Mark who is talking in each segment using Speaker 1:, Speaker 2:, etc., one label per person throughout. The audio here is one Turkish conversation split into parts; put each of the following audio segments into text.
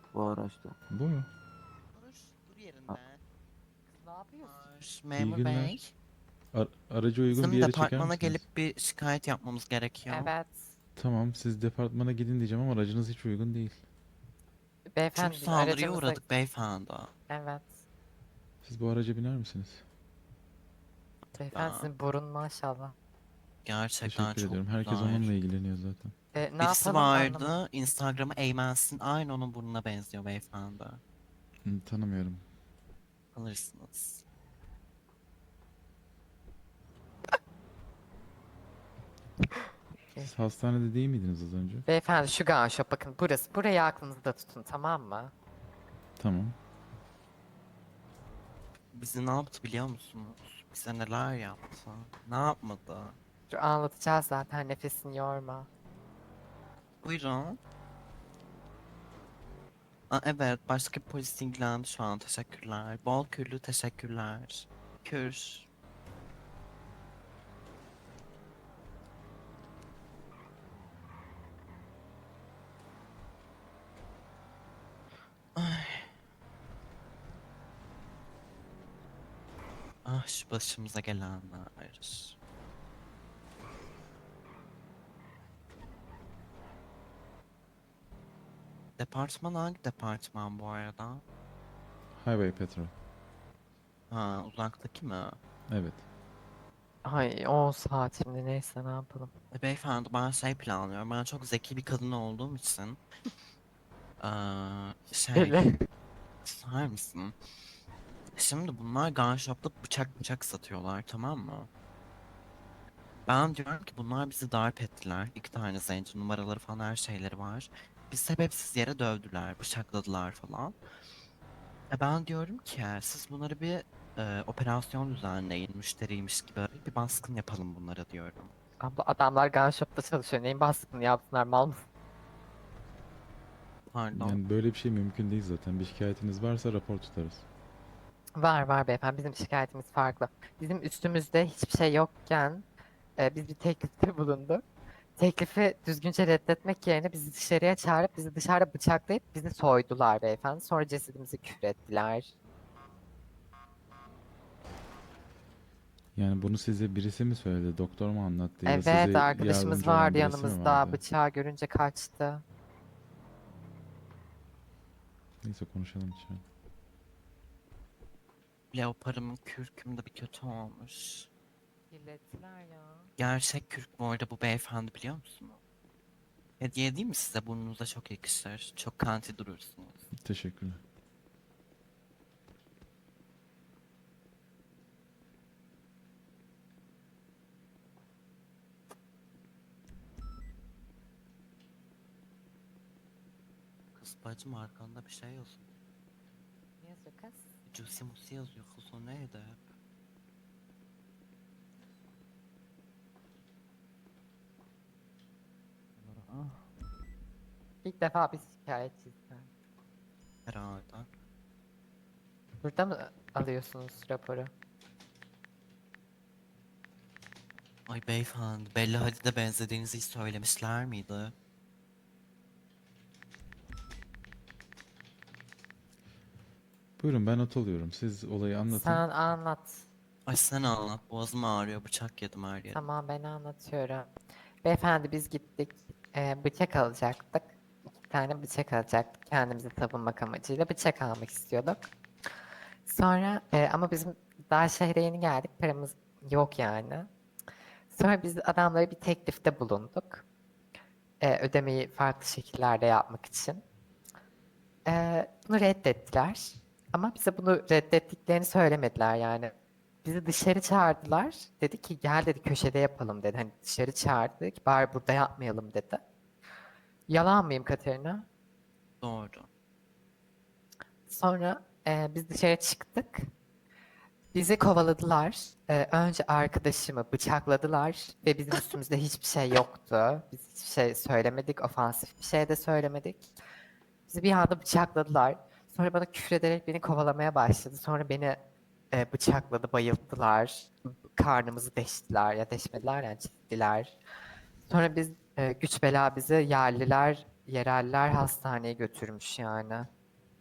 Speaker 1: bu araçta.
Speaker 2: Bu mu?
Speaker 3: Dur
Speaker 1: Ha,
Speaker 3: yerinde.
Speaker 4: Ne yapıyorsun?
Speaker 2: İyi
Speaker 3: Memur bey.
Speaker 2: günler. Aracı uygun bir
Speaker 3: Bizim
Speaker 2: yere çeker
Speaker 3: departmana
Speaker 2: misiniz?
Speaker 3: gelip bir şikayet yapmamız gerekiyor.
Speaker 4: Evet.
Speaker 2: Tamam, siz departmana gidin diyeceğim ama aracınız hiç uygun değil.
Speaker 3: Çünkü
Speaker 4: Beyefendi biz
Speaker 3: saldırıya
Speaker 4: aracımızı...
Speaker 3: uğradık beyefendi.
Speaker 4: Evet.
Speaker 2: Siz bu araca biner misiniz?
Speaker 4: Beyefendi
Speaker 3: Ya,
Speaker 4: sizin burun maşallah.
Speaker 3: gerçekten
Speaker 2: Teşekkür ediyorum.
Speaker 3: çok
Speaker 2: Herkes
Speaker 3: güzel.
Speaker 2: onunla ilgileniyor zaten.
Speaker 4: Ne
Speaker 3: Birisi
Speaker 4: yapalım anlamadım.
Speaker 3: vardı. Instagram'ı Eymensin. Aynı onun burnuna benziyor beyefendi.
Speaker 2: Tanımıyorum.
Speaker 3: Alırsınız.
Speaker 2: Siz hastanede değil miydiniz az önce?
Speaker 4: Beyefendi şu gunshop bakın burası. Burayı aklınızda tutun tamam mı?
Speaker 2: Tamam.
Speaker 3: Bizi ne yaptı biliyor musunuz? Bize neler yaptı? Ne yapmadı?
Speaker 4: Dur anlatacağız zaten nefesini yorma.
Speaker 3: Buyurun. Aa, evet, başka bir polis ilgilendi şu an. Teşekkürler. Bol kürlü teşekkürler. Kür. Ay. Ah, şu başımıza gelenler. Departman hangi departman bu arada?
Speaker 2: Highway Patrol.
Speaker 3: Ha, uzaktaki mi?
Speaker 2: Evet.
Speaker 4: Ay 10 saat şimdi neyse ne yapalım.
Speaker 3: Beyefendi, ben şey planlıyorum. Ben çok zeki bir kadın olduğum için.
Speaker 4: Öyle.
Speaker 3: Susar mısın? Şimdi bunlar gun shop'ta bıçak satıyorlar, tamam mı? Ben diyorum ki bunlar bizi darp ettiler. İki tane zenci, numaraları falan, her şeyleri var. Biz sebepsiz yere dövdüler, bıçakladılar falan. Ben diyorum ki siz bunları bir operasyon düzenleyin, müşteriymiş gibi bir baskın yapalım bunlara diyorum.
Speaker 4: Abla adamlar gunshop'ta çalışıyor. Neyin baskını yapsınlar mal mısın?
Speaker 3: Pardon.
Speaker 2: Yani böyle bir şey mümkün değil zaten. Bir şikayetiniz varsa rapor tutarız.
Speaker 4: Var beyefendi bizim şikayetimiz farklı. Bizim üstümüzde hiçbir şey yokken biz bir teklifte bulunduk. Teklifi düzgünce reddetmek yerine bizi dışarıya çağırıp bizi dışarıda bıçaklayıp bizi soydular beyefendi. Sonra cesedimizi küfrettiler.
Speaker 2: Yani bunu size birisi mi söyledi, doktor mu anlattı ya da
Speaker 4: Evet
Speaker 2: size
Speaker 4: arkadaşımız
Speaker 2: yardımcı olan
Speaker 4: vardı
Speaker 2: birisi mi
Speaker 4: yanımızda.
Speaker 2: vardı?
Speaker 4: Bıçağı görünce kaçtı.
Speaker 2: Neyse konuşalım içeri.
Speaker 3: Leoparımın kürküm de bir kötü olmuş.
Speaker 4: Kirlettiler ya.
Speaker 3: Gerçek kürk bu arada bu beyefendi, biliyor musunuz? Hediye değil mi size? Burnunuza çok yakışır. Çok kanti durursunuz.
Speaker 2: Teşekkürler.
Speaker 3: Kız bacım, arkanda bir şey yazıyor.
Speaker 4: Ne yazıyor kız?
Speaker 3: Cusi musi yazıyor. Kız o neydi hep?
Speaker 4: İlk defa biz şikayetçiyiz.
Speaker 3: Herhalde.
Speaker 4: Burada mı alıyorsunuz raporu?
Speaker 3: Ay beyefendi, Bella Hadid'e benzediğinizi hiç söylemişler miydi?
Speaker 2: Buyurun ben not alıyorum. Siz olayı anlatın.
Speaker 4: Sen anlat.
Speaker 3: Ay sen anlat, boğazım ağrıyor, bıçak yedim her yerim.
Speaker 4: Tamam ben anlatıyorum. Beyefendi biz gittik. Bıçak alacaktık. İki tane bıçak alacaktık. Kendimizi savunmak amacıyla bıçak almak istiyorduk. Sonra ama bizim daha şehre yeni geldik. Paramız yok yani. Sonra biz adamlara bir teklifte bulunduk. Ödemeyi farklı şekillerde yapmak için. Bunu reddettiler. Ama bize bunu reddettiklerini söylemediler yani. Bizi dışarı çağırdılar. Dedi ki gel dedi köşede yapalım dedi. Hani dışarı çağırdı dedi ki bari burada yapmayalım dedi. Yalan mıyım Katerina?
Speaker 3: Doğru.
Speaker 4: Sonra biz dışarı çıktık. Bizi kovaladılar. Önce arkadaşımı bıçakladılar ve bizim üstümüzde hiçbir şey yoktu. Biz hiçbir şey söylemedik, ofansif bir şey de söylemedik. Bizi bir anda bıçakladılar. Sonra bana küfrederek beni kovalamaya başladı. Sonra beni bıçakladı, bayılttılar. Karnımızı deştiler ya deşmediler yani çizdiler. Sonra biz güç bela bizi yerliler, yereller hastaneye götürmüş yani.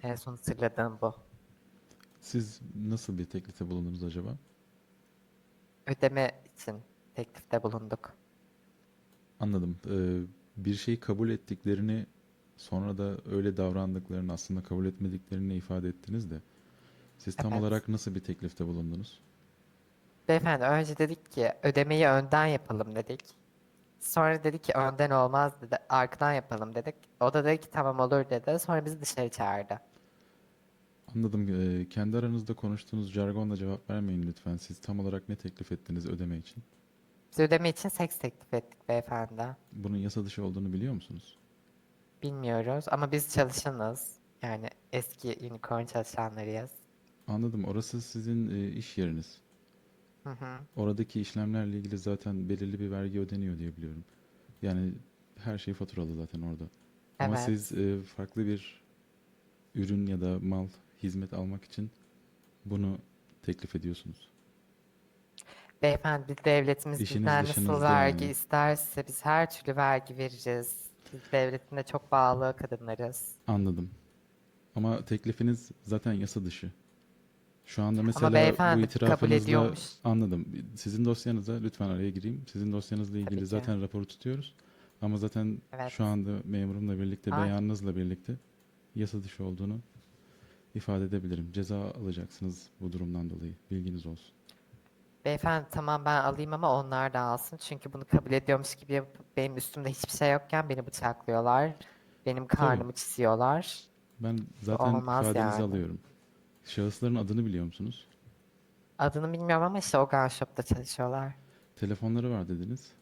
Speaker 4: En son hatırladığım bu.
Speaker 2: Siz nasıl bir teklifte bulundunuz acaba?
Speaker 4: Ödeme için teklifte bulunduk.
Speaker 2: Anladım. Bir şeyi kabul ettiklerini sonra da öyle davrandıklarını aslında kabul etmediklerini ifade ettiniz de siz tam
Speaker 4: Evet.
Speaker 2: olarak nasıl bir teklifte bulundunuz?
Speaker 4: Beyefendi önce dedik ki ödemeyi önden yapalım dedik. Sonra dedi ki önden olmaz dedi. Arkadan yapalım dedik. O da dedi ki tamam olur dedi. Sonra bizi dışarı çağırdı.
Speaker 2: Anladım. Kendi aranızda konuştuğunuz jargonla cevap vermeyin lütfen. Siz tam olarak ne teklif ettiniz ödeme için?
Speaker 4: Biz ödeme için seks teklif ettik beyefendi.
Speaker 2: Bunun yasa dışı olduğunu biliyor musunuz?
Speaker 4: Bilmiyoruz ama biz çalışanız. Yani eski unicorn çalışanlarıyız.
Speaker 2: Anladım. Orası sizin iş yeriniz.
Speaker 4: Hı hı.
Speaker 2: Oradaki işlemlerle ilgili zaten belirli bir vergi ödeniyor diye biliyorum. Yani her şey faturalı zaten orada. Ama siz
Speaker 4: Evet.
Speaker 2: farklı bir ürün ya da mal, hizmet almak için bunu teklif ediyorsunuz.
Speaker 4: Beyefendi biz devletimiz
Speaker 2: İşiniz
Speaker 4: bizden nasıl
Speaker 2: dışınızda
Speaker 4: vergi
Speaker 2: yani.
Speaker 4: isterse biz her türlü vergi veririz. Biz devletine çok bağlı kadınlarız.
Speaker 2: Anladım. Ama teklifiniz zaten yasa dışı. Şu anda
Speaker 4: Ama
Speaker 2: mesela bu
Speaker 4: beyefendi kabul
Speaker 2: itirafınızla
Speaker 4: ediyormuş.
Speaker 2: anladım. Sizin dosyanıza lütfen araya gireyim. Sizin dosyanızla
Speaker 4: Tabii
Speaker 2: ilgili
Speaker 4: ki.
Speaker 2: zaten raporu tutuyoruz. Ama zaten
Speaker 4: Evet.
Speaker 2: şu anda memurumla birlikte,
Speaker 4: Ay.
Speaker 2: beyanınızla birlikte yasa dışı olduğunu ifade edebilirim. Ceza alacaksınız bu durumdan dolayı. Bilginiz olsun.
Speaker 4: Beyefendi tamam ben alayım ama onlar da alsın. Çünkü bunu kabul ediyormuş gibi yapıp benim üstümde hiçbir şey yokken beni bıçaklıyorlar. Benim
Speaker 2: Tabii.
Speaker 4: karnımı çiziyorlar.
Speaker 2: Ben
Speaker 4: Bu
Speaker 2: zaten
Speaker 4: olmaz
Speaker 2: ifadenizi
Speaker 4: yani.
Speaker 2: alıyorum. Şahısların adını biliyor musunuz?
Speaker 4: Adını bilmiyorum ama işte o gun shop'ta çalışıyorlar.
Speaker 2: Telefonları var dediniz.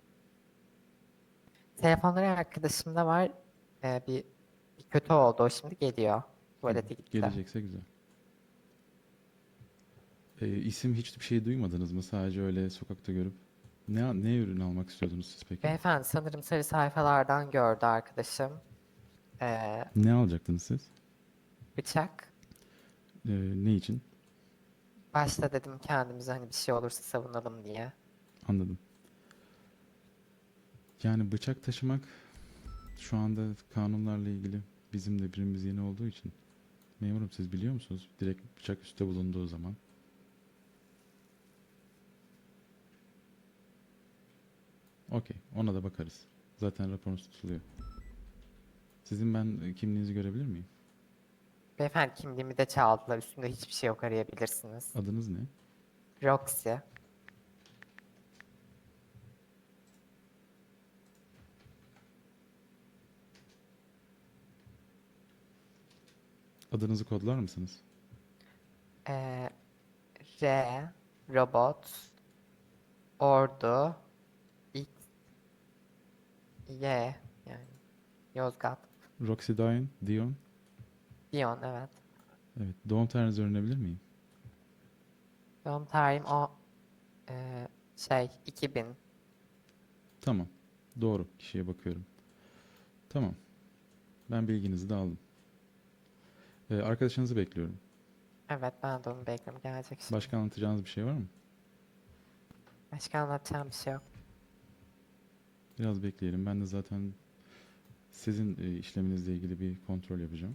Speaker 4: Telefonları arkadaşımda var. Bir kötü oldu. O şimdi geliyor. Tuvalete gitti.
Speaker 2: Gelecekse güzel. İsim hiçbir şey duymadınız mı? Sadece öyle sokakta görüp. Ne ürün almak istiyordunuz siz peki?
Speaker 4: Beyefendi sanırım sarı sayfalardan gördü arkadaşım. Ee,
Speaker 2: Ne alacaktınız siz?
Speaker 4: Bıçak.
Speaker 2: Ne için?
Speaker 4: Başta dedim kendimize hani bir şey olursa savunalım diye.
Speaker 2: Anladım. Yani bıçak taşımak şu anda kanunlarla ilgili bizim de birimiz yeni olduğu için. Memurum siz biliyor musunuz? Direkt bıçak üstte bulunduğu zaman. Okey, ona da bakarız. Zaten raporunuz tutuluyor. Sizin ben kimliğinizi görebilir miyim?
Speaker 4: Beyefendi kimliğimi de çaldılar. Üstümde hiçbir şey yok arayabilirsiniz.
Speaker 2: Adınız ne?
Speaker 4: Roxy.
Speaker 2: Adınızı kodlar mısınız?
Speaker 4: Ee, R. Robot. Ordu. X. Y. Yani Yozgat.
Speaker 2: Roxy Dion.
Speaker 4: Dion evet.
Speaker 2: Evet. Doğum tarihinizi öğrenebilir miyim?
Speaker 4: Doğum tarihim o 2000.
Speaker 2: Tamam. Doğru. Kişiye bakıyorum. Tamam. Ben bilginizi de aldım. Arkadaşınızı bekliyorum.
Speaker 4: Evet ben de onu bekliyorum. Gelecek şimdi.
Speaker 2: Başka anlatacağınız bir şey var mı?
Speaker 4: Başka anlatacağım bir şey yok.
Speaker 2: Biraz bekleyelim. Ben de zaten sizin işleminizle ilgili bir kontrol yapacağım.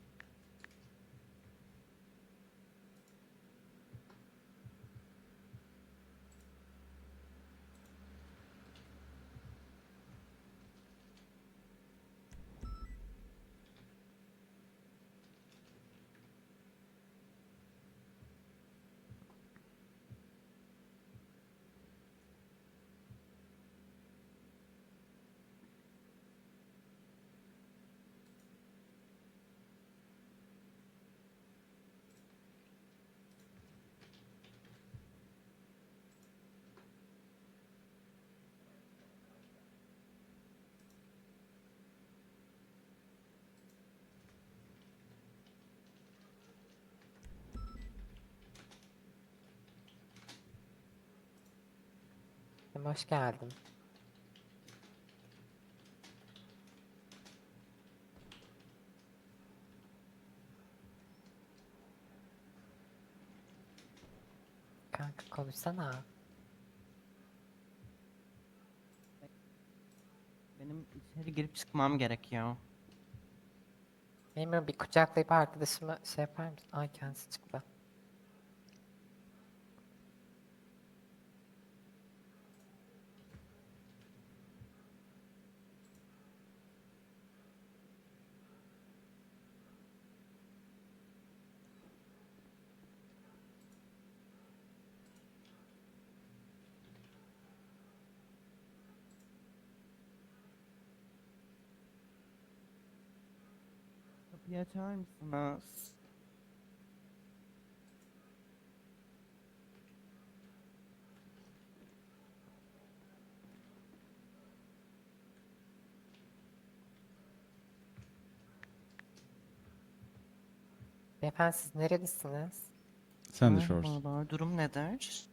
Speaker 4: Hoş geldin. Kanka konuşsana.
Speaker 3: Benim içeri girip çıkmam gerekiyor.
Speaker 4: Memurum bir kucaklayıp arkadaşımı şey yapar mısın? Ay kendisi çıktı.
Speaker 3: Kapıyı açar mısınız?
Speaker 4: Beyefendi siz nerelisiniz?
Speaker 2: Sen de Shores.
Speaker 3: Merhabalar, durum nedir?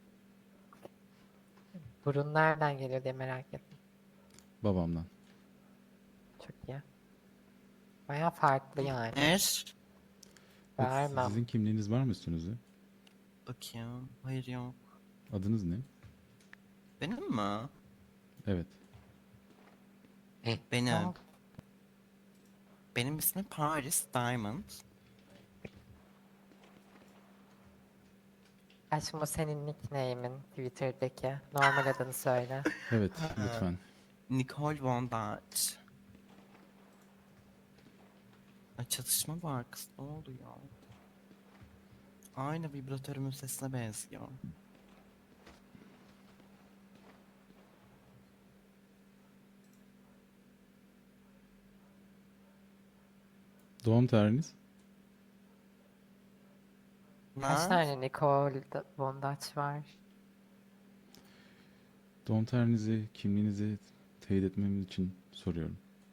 Speaker 4: Burun nereden geliyor diye merak ettim.
Speaker 2: Babamdan.
Speaker 4: Çok iyi. Baya farklı yani.
Speaker 3: Nedir?
Speaker 2: Evet,
Speaker 4: Vermem.
Speaker 2: sizin kimliğiniz var mı üstünüzde?
Speaker 3: Bakayım. Hayır yok.
Speaker 2: Adınız ne?
Speaker 3: Benim mi?
Speaker 2: Evet.
Speaker 3: Benim.
Speaker 4: Aa,
Speaker 3: Benim ismim Paris Diamond.
Speaker 4: aşkım o senin nickname'in Twitter'daki. Normal adını söyle.
Speaker 2: Evet, lütfen.
Speaker 3: Nicole Von Dutch. Ay, çatışma var kız. Ne oluyor? Aynı vibratörümün sesine benziyor.
Speaker 2: Doğum tarihiniz?
Speaker 4: Kaç
Speaker 3: Nerede?
Speaker 4: tane Nicole Von Dutch var?
Speaker 2: Doğum tarihinizi, kimliğinizi teyit etmem için soruyorum.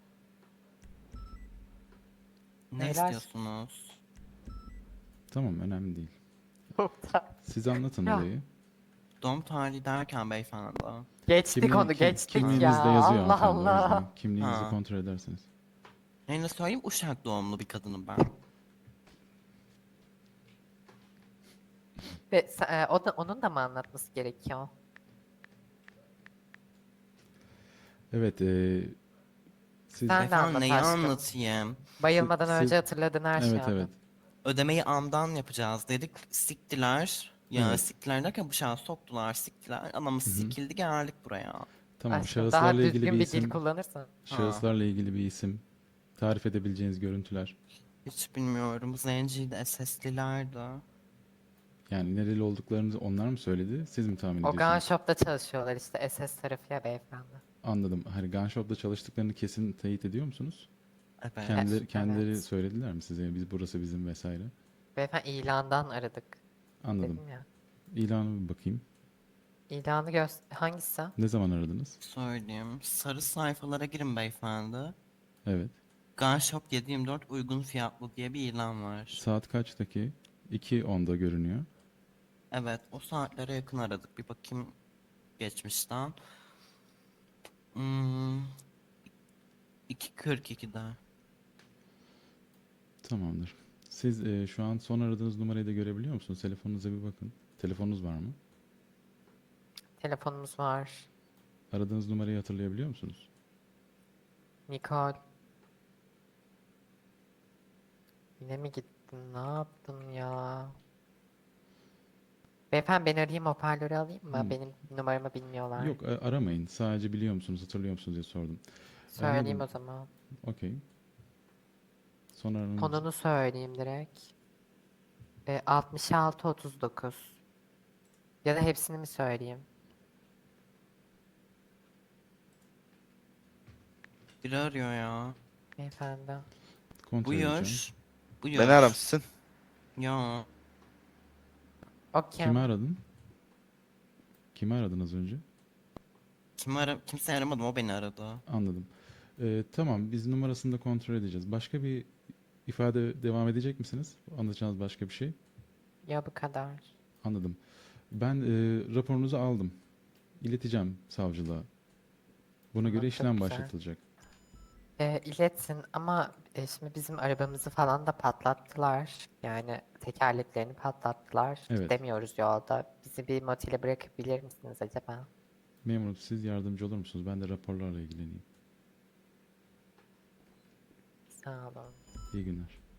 Speaker 3: Ne
Speaker 4: Neler?
Speaker 3: istiyorsunuz?
Speaker 2: Tamam, önemli değil.
Speaker 4: Doğum tarihi.
Speaker 2: Siz anlatın
Speaker 4: Ya.
Speaker 2: olayı.
Speaker 3: Doğum tarihi derken beyefendi.
Speaker 4: Geçtik onu geçtik
Speaker 2: Kimliğinizde
Speaker 4: ya.
Speaker 2: yazıyor
Speaker 4: Allah
Speaker 2: hanımefendi, o yüzden.
Speaker 4: Allah.
Speaker 2: Kimliğinizi
Speaker 3: Ha.
Speaker 2: kontrol ederseniz.
Speaker 3: Neyle söyleyeyim? Uşak doğumlu bir kadınım ben.
Speaker 4: Ve onun da mı anlatması gerekiyor?
Speaker 2: Evet, siz...
Speaker 4: Sen de
Speaker 3: Beyefendi
Speaker 4: anlat
Speaker 3: neyi
Speaker 4: aşkım.
Speaker 3: anlatayım?
Speaker 4: Bayılmadan
Speaker 2: siz-
Speaker 4: önce hatırladın her şeyi
Speaker 2: Evet, evet.
Speaker 4: anlat.
Speaker 3: Ödemeyi amdan yapacağız dedik. Siktiler. Ya
Speaker 2: Evet.
Speaker 3: siktiler derken bıçağı soktular, siktiler. Anamız
Speaker 2: Hı hı.
Speaker 3: sikildi, geldik buraya.
Speaker 2: Tamam,
Speaker 4: Aşkım daha
Speaker 2: şahıslarla ilgili
Speaker 4: düzgün
Speaker 2: bir
Speaker 4: bir dil
Speaker 2: isim,
Speaker 4: kullanırsan.
Speaker 2: şahıslarla ilgili bir isim, tarif edebileceğiniz görüntüler.
Speaker 3: Hiç bilmiyorum. Zenciydi, SS'lilerdi.
Speaker 2: Yani nereli olduklarını onlar mı söyledi, siz mi tahmin
Speaker 4: O gun
Speaker 2: ediyorsunuz?
Speaker 4: shop'ta çalışıyorlar işte SS tarafı ya beyefendi.
Speaker 2: Anladım. Hani gun shop'ta çalıştıklarını kesin teyit ediyor musunuz?
Speaker 3: Evet.
Speaker 2: Kendileri
Speaker 4: Evet.
Speaker 2: söylediler mi size? Biz burası bizim vesaire.
Speaker 4: Beyefendi ilandan aradık.
Speaker 2: Anladım.
Speaker 4: Dedim ya.
Speaker 2: İlanı bir bakayım.
Speaker 4: İlanı hangisi?
Speaker 2: Ne zaman aradınız?
Speaker 3: Söyleyeyim. Sarı sayfalara girin beyefendi.
Speaker 2: Evet.
Speaker 3: Gun Shop 7/24 uygun fiyatlı diye bir ilan var.
Speaker 2: Saat kaçtaki? 2:10'da görünüyor.
Speaker 3: Evet, o saatlere yakın aradık. Bir bakayım geçmişten. Hmm, 2:42'de.
Speaker 2: Tamamdır. Siz şu an son aradığınız numarayı da görebiliyor musunuz? Telefonunuza bir bakın. Telefonunuz var mı?
Speaker 4: Telefonumuz var.
Speaker 2: Aradığınız numarayı hatırlayabiliyor musunuz?
Speaker 4: Nicole. Yine mi gittin? Ne yaptın ya? Beyefendi ben arayayım hoparlörü alayım mı?
Speaker 2: Hmm.
Speaker 4: Benim numaramı bilmiyorlar.
Speaker 2: Yok, aramayın. Sadece biliyor musunuz, hatırlıyor musunuz diye sordum.
Speaker 4: Söyleyeyim
Speaker 2: Anladım.
Speaker 4: o zaman.
Speaker 2: Okey. Son aranız.
Speaker 4: Konunu söyleyeyim direkt. 6639. Ya da hepsini mi söyleyeyim?
Speaker 3: Biri arıyor ya.
Speaker 4: Beyefendi.
Speaker 2: Kontrol edeceğim.
Speaker 3: Buyur. Buyur.
Speaker 1: Beni aramışsın.
Speaker 3: Ya.
Speaker 4: O
Speaker 2: Kimi
Speaker 4: kim?
Speaker 2: aradın? Kimi aradın az önce?
Speaker 3: Kimse aramadım, o beni aradı.
Speaker 2: Anladım. Tamam, biz numarasını da kontrol edeceğiz. Başka bir ifade devam edecek misiniz? Anlatacağınız başka bir şey?
Speaker 4: Ya bu kadar.
Speaker 2: Anladım. Ben raporunuzu aldım. İleteceğim savcılığa. Buna göre
Speaker 4: Tamam, çok
Speaker 2: işlem
Speaker 4: güzel.
Speaker 2: başlatılacak.
Speaker 4: İletsin ama şimdi bizim arabamızı falan da patlattılar. Yani tekerleklerini patlattılar.
Speaker 2: Evet.
Speaker 4: Gidemiyoruz yolda. Bizi bir motele bırakabilir misiniz acaba?
Speaker 2: Memurum, siz yardımcı olur musunuz? Ben de raporlarla ilgileneyim.
Speaker 4: Sağ olun.
Speaker 2: İyi günler.